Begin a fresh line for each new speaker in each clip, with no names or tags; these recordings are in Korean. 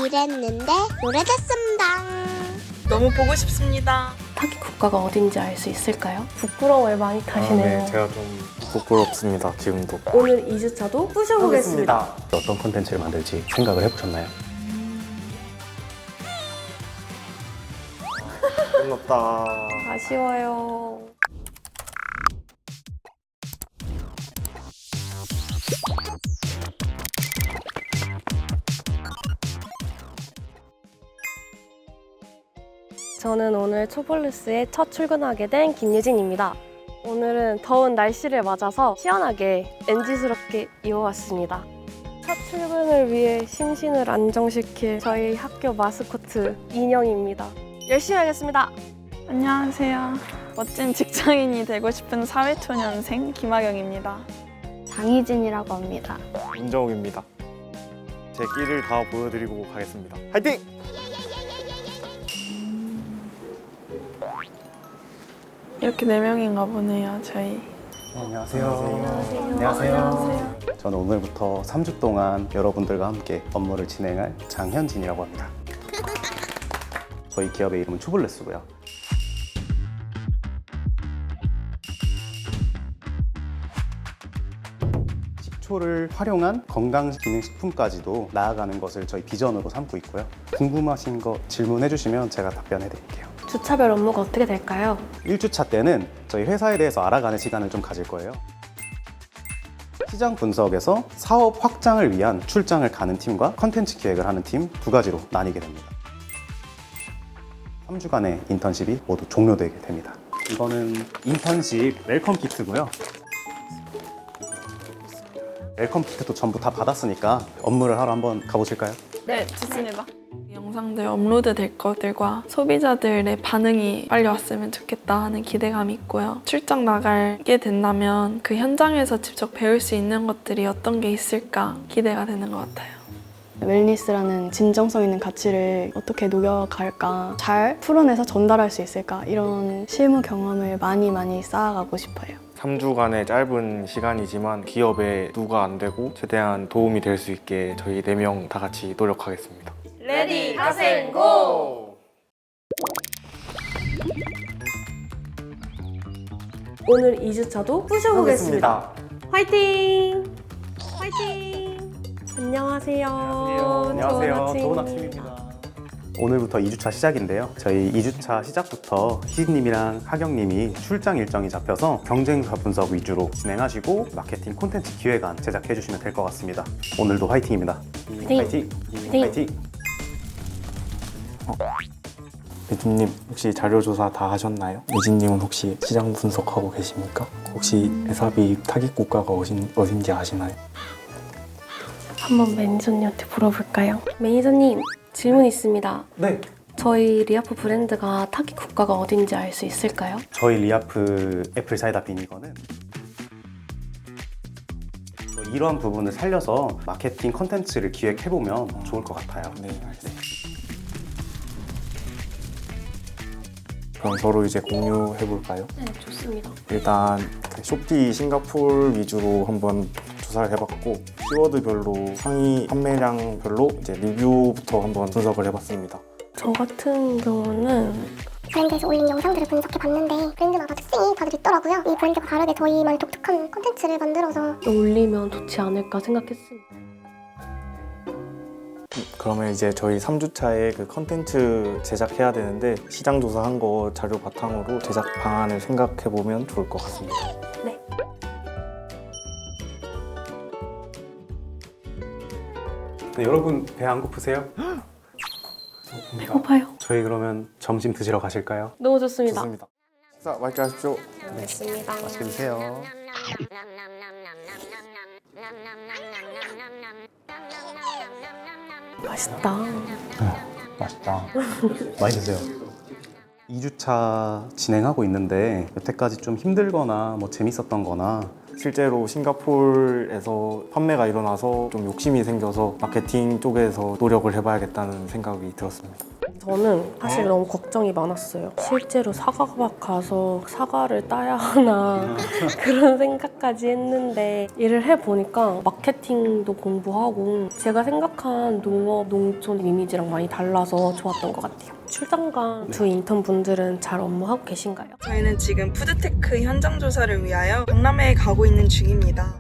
일했는데 오래됐습니다.
너무 보고 싶습니다.
타깃 국가가 어딘지 알 수 있을까요? 부끄러워요 많이 타시네요.
네, 제가 좀 부끄럽습니다, 지금도.
오늘 2주차도 부셔보겠습니다.
어떤 콘텐츠를 만들지 생각을 해보셨나요?
끝났다.
아쉬워요. 저는 오늘 초볼루스에 첫 출근하게 된 김유진입니다. 오늘은 더운 날씨를 맞아서 시원하게 NG스럽게 입어왔습니다. 첫 출근을 위해 심신을 안정시킬 저희 학교 마스코트 인형입니다. 열심히 하겠습니다.
안녕하세요. 멋진 직장인이 되고 싶은 사회초년생 김하경입니다.
장희진이라고 합니다.
임정욱입니다. 제 끼를 다 보여드리고 가겠습니다. 화이팅!
이렇게 4명인가 보네요, 저희.
안녕하세요. 안녕하세요. 저는 오늘부터 3주 동안 여러분들과 함께 업무를 진행할 장현진이라고 합니다. 저희 기업의 이름은 투블레스고요. 식초를 활용한 건강기능식품까지도 나아가는 것을 저희 비전으로 삼고 있고요. 궁금하신 거 질문해 주시면 제가 답변해 드릴게요.
주차별 업무가 어떻게 될까요?
1주차 때는 저희 회사에 대해서 알아가는 시간을 좀 가질 거예요. 시장 분석에서 사업 확장을 위한 출장을 가는 팀과 컨텐츠 기획을 하는 팀 두 가지로 나뉘게 됩니다. 3주간의 인턴십이 모두 종료되게 됩니다. 이거는 인턴십 웰컴 키트고요. 웰컴 키트도 전부 다 받았으니까 업무를 하러 한번 가보실까요?
네, 좋습니다. 영상들 업로드 될 것들과 소비자들의 반응이 빨리 왔으면 좋겠다 하는 기대감이 있고요. 출장 나가게 된다면 그 현장에서 직접 배울 수 있는 것들이 어떤 게 있을까 기대가 되는 것 같아요.
웰니스라는 진정성 있는 가치를 어떻게 녹여갈까, 잘 풀어내서 전달할 수 있을까, 이런 실무 경험을 많이 쌓아가고 싶어요.
3주간의 짧은 시간이지만 기업에 누가 안 되고 최대한 도움이 될 수 있게 저희 4명 다 같이 노력하겠습니다.
레디 가센 고! 오늘 2주차도 부셔보겠습니다. 화이팅! 화이팅! 안녕하세요.
안녕하세요. 좋은 아침입니다. 오늘부터 2주차 시작인데요. 저희 2주차 시작부터 희진님이랑 하경님이 출장 일정이 잡혀서 경쟁사 분석 위주로 진행하시고 마케팅 콘텐츠 기획안 제작해 주시면 될 것 같습니다. 오늘도 화이팅입니다.
화이팅!
화이팅!
예진님 혹시 자료조사 다 하셨나요? 예진님은 혹시 시장 분석하고 계십니까? 혹시 에사비 타깃 국가가 어딘지 아시나요?
한번 매니저님한테 물어볼까요? 매니저님, 질문 있습니다.
네.
저희 리아프 브랜드가 타깃 국가가 어딘지 알 수 있을까요?
저희 리아프 애플 사이다 비니거는 이러한 부분을 살려서 마케팅 컨텐츠를 기획해보면 좋을 것 같아요.
네, 알겠습니다. 그럼 서로 이제 공유해볼까요?
네, 좋습니다.
일단 쇼피 싱가포르 위주로 한번 조사를 해봤고 키워드별로 상위 판매량별로 이제 리뷰부터 한번 분석을 해봤습니다.
저 같은 경우는
브랜드에서 올린 영상들을 분석해봤는데 브랜드마다 특징이 다들 있더라고요. 이 브랜드가 다르게 저희만의 독특한 콘텐츠를 만들어서
올리면 좋지 않을까 생각했습니다.
그러면 이제 저희 3주차에 그 컨텐츠 제작해야 되는데 시장 조사한 거 자료 바탕으로 제작 방안을 생각해보면 좋을 것 같습니다.
네.
네, 여러분 배 안 고프세요?
배고파요.
저희 그러면 점심 드시러 가실까요?
너무 좋습니다.
좋습니다. 식사 맛있게 하십시오.
알겠습니다.
맛있게 드세요.
맛있다.
맛있다. 많이 드세요. 2주차 진행하고 있는데 여태까지 좀 힘들거나 뭐 재밌었던 거나
실제로 싱가포르에서 판매가 일어나서 좀 욕심이 생겨서 마케팅 쪽에서 노력을 해봐야겠다는 생각이 들었습니다.
저는 사실 너무 걱정이 많았어요. 실제로 사과박 가서 사과를 따야 하나 그런 생각까지 했는데 일을 해보니까 마케팅도 공부하고 제가 생각한 농업, 농촌 이미지랑 많이 달라서 좋았던 것 같아요. 출장간 두 인턴분들은 잘 업무하고 계신가요?
저희는 지금 푸드테크 현장 조사를 위하여 박람회에 가고 있는 중입니다.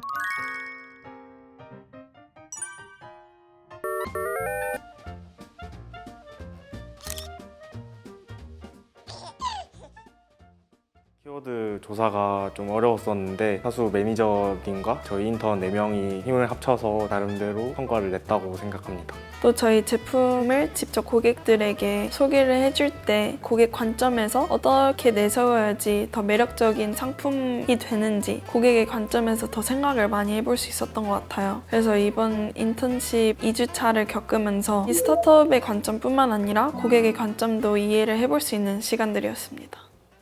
키워드 조사가 좀 어려웠었는데 사수 매니저님과 저희 인턴 4명이 힘을 합쳐서 나름대로 성과를 냈다고 생각합니다.
또 저희 제품을 직접 고객들에게 소개를 해줄 때 고객 관점에서 어떻게 내세워야지 더 매력적인 상품이 되는지 고객의 관점에서 더 생각을 많이 해볼 수 있었던 것 같아요. 그래서 이번 인턴십 2주차를 겪으면서 이 스타트업의 관점뿐만 아니라 고객의 관점도 이해를 해볼 수 있는 시간들이었습니다.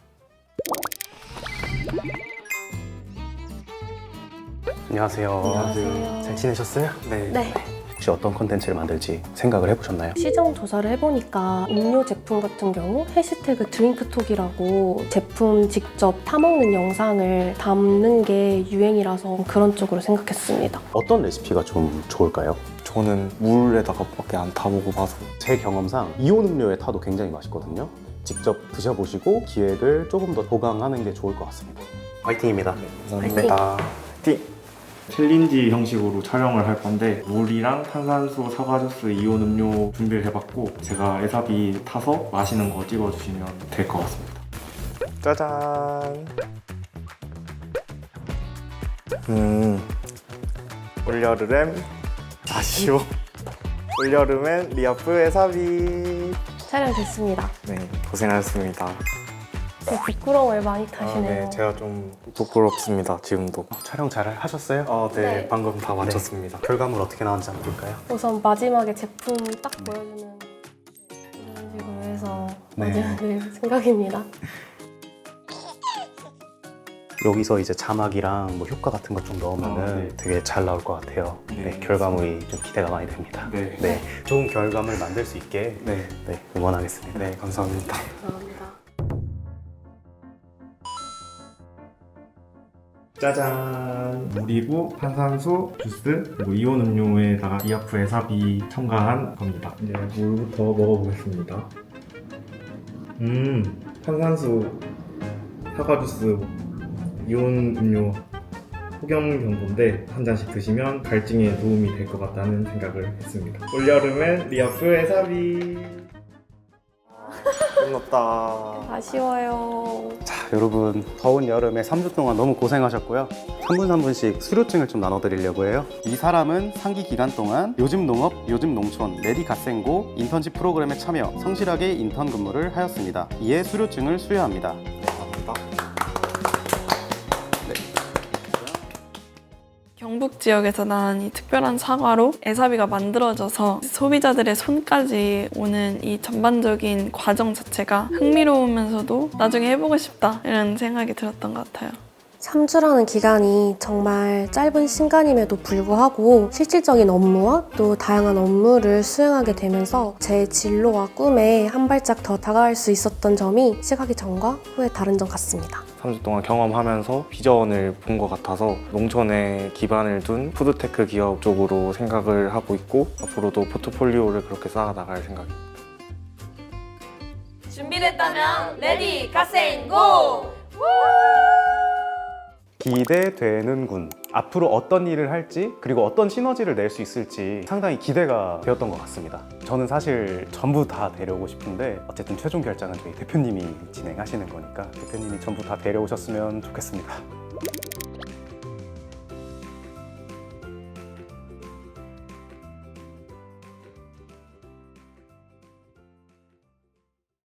안녕하세요. 잘 지내셨어요?
네.
혹시 어떤 컨텐츠를 만들지 생각을 해보셨나요?
시장 조사를 해보니까 음료 제품 같은 경우 해시태그 드링크톡이라고 제품 직접 타먹는 영상을 담는 게 유행이라서 그런 쪽으로 생각했습니다.
어떤 레시피가 좀 좋을까요?
저는 물에다가 밖에 안 타보고 봐서
제 경험상 이온 음료에 타도 굉장히 맛있거든요. 직접 드셔보시고 기획을 조금 더 보강하는 게 좋을 것 같습니다. 화이팅입니다.
감사합니다. 챌린지 형식으로 촬영을 할 건데 물이랑 탄산수, 사과주스, 이온 음료 준비를 해봤고 제가 에사비 타서 마시는 거 찍어주시면 될 것 같습니다. 짜잔! 올여름엔 아쉬워. 올여름엔 리아프 에사비.
촬영 됐습니다.
네, 고생하셨습니다.
부끄러움을 많이 타시네요.
네, 제가 좀 부끄럽습니다, 지금도.
촬영 잘 하셨어요?
네,
네.
방금 다 마쳤습니다.
결과물 어떻게 나왔는지 한번 볼까요?
우선 마지막에 제품 딱 보여주는 이런 식으로 해서
네.
마지막에 생각입니다.
여기서 이제 자막이랑 뭐 효과 같은 거 좀 넣으면은
네.
되게 잘 나올 것 같아요.
네.
결과물이 좀 기대가 많이 됩니다.
네.
좋은 결과물 만들 수 있게
네,
응원하겠습니다.
네, 감사합니다.
감사합니다.
짜잔! 물이고 탄산수, 주스, 그리고 이온 음료에다가 리아프 에사비 첨가한 겁니다. 이제 물부터 먹어보겠습니다. 탄산수, 사과주스, 이온 음료 폭염 경도인데 한 잔씩 드시면 갈증에 도움이 될 것 같다는 생각을 했습니다. 올여름엔 리아프 에사비. 끝났다.
아쉬워요.
자, 여러분 더운 여름에 3주 동안 너무 고생하셨고요. 한 분 한 분씩 수료증을 좀 나눠드리려고 해요. 이 사람은 상기 기간 동안 요즘 농업, 요즘 농촌, 레디 갓생고 인턴십 프로그램에 참여, 성실하게 인턴 근무를 하였습니다. 이에 수료증을 수여합니다.
경북 지역에서 난 이 특별한 사과로 에사비가 만들어져서 소비자들의 손까지 오는 이 전반적인 과정 자체가 흥미로우면서도 나중에 해보고 싶다 이런 생각이 들었던 것 같아요.
3주라는 기간이 정말 짧은 시간임에도 불구하고 실질적인 업무와 또 다양한 업무를 수행하게 되면서 제 진로와 꿈에 한 발짝 더 다가갈 수 있었던 점이 시작하기 전과 후에 다른 점 같습니다.
3주 동안 경험하면서 비전을 본 것 같아서 농촌에 기반을 둔 푸드테크 기업 쪽으로 생각을 하고 있고 앞으로도 포트폴리오를 그렇게 쌓아나갈 생각입니다.
준비됐다면 레디 갓생고!
기대되는군. 앞으로 어떤 일을 할지 그리고 어떤 시너지를 낼 수 있을지 상당히 기대가 되었던 것 같습니다. 저는 사실 전부 다 데려오고 싶은데 어쨌든 최종 결정은 저희 대표님이 진행하시는 거니까 대표님이 전부 다 데려오셨으면 좋겠습니다.